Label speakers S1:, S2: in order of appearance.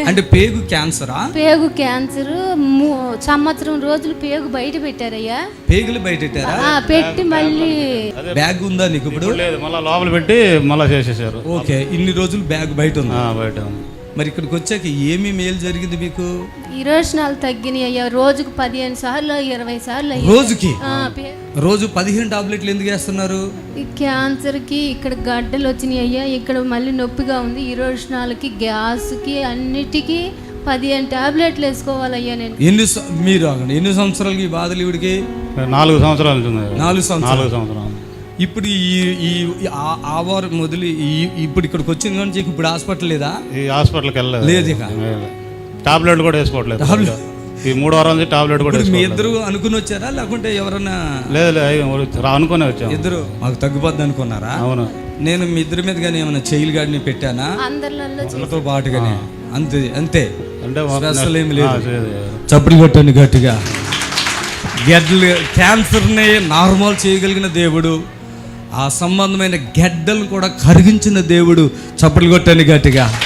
S1: అంటే పేగు క్యాన్సరా?
S2: పేగు క్యాన్సర్, సంవత్సరం రోజులు పేగు బయట పెట్టారయ్యా.
S1: పేగులు బయట పెట్టారా?
S2: పెట్టి మళ్ళీ
S1: బ్యాగ్ ఉందా నీకు ఇప్పుడు?
S3: లేదు, మళ్ళీ లోపల పెట్టి మళ్ళీ చేసేసారు.
S1: ఓకే, ఇన్ని రోజులు బ్యాగ్ బయట ఉంది.
S3: బయట ఉంది.
S1: మరి ఇక్కడికి వచ్చాక ఏమి మేలు జరిగింది మీకు?
S2: విరోచనాలు తగ్గినాయి అయ్యా. రోజుకు 15 సార్లు 20 సార్లు
S1: రోజుకి రోజు 15 టాబ్లెట్లు ఎందుకు వేస్తున్నారు?
S2: ఈ క్యాన్సర్ కి ఇక్కడ గడ్డలు వచ్చినాయి అయ్యా. ఇక్కడ మళ్ళీ నొప్పిగా ఉంది. విరోచనాలకి, గ్యాస్ కి, అన్నిటికీ 15 టాబ్లెట్లు వేసుకోవాలయ్యా నేను.
S1: మీరు ఎన్ని సంవత్సరాలకి ఈ బాధలు? ఇవిడికి
S3: 4 సంవత్సరాలు.
S1: 4 సంవత్సరాలు. ఇప్పుడు ఈ వారం మొదలు ఇప్పుడు ఇక్కడికి వచ్చింది కానీ ఇప్పుడు హాస్పిటల్ లేదా?
S3: ఈ హాస్పిటల్కి వెళ్ళలేదు.
S1: లేదు, ఇక
S3: టాబ్లెట్ కూడా వేసుకోవట్లేదు. ఈ 3 వారాల నుంచి టాబ్లెట్ కూడా.
S1: మీ ఇద్దరు అనుకుని వచ్చారా లేకుంటే ఎవరన్నా?
S3: లేదు, అనుకునే వచ్చాము.
S1: ఇద్దరు మాకు తగ్గిపోద్ది అనుకున్నారా?
S3: అవును.
S1: నేను మీ ఇద్దరి మీద కానీ ఏమైనా చైల్ గార్డ్ని పెట్టానా? అందరితో పాటుగానే అంతే అంతే, స్పెషల్ ఏమి లేదు. చప్పుడు కొట్టండి గట్టిగా. గెడ్డలు క్యాన్సర్ని నార్మల్ చేయగలిగిన దేవుడు, ఆ సంబంధమైన గెడ్డలు కూడా కరిగించిన దేవుడు. చప్పట్లు కొట్టండి గట్టిగా.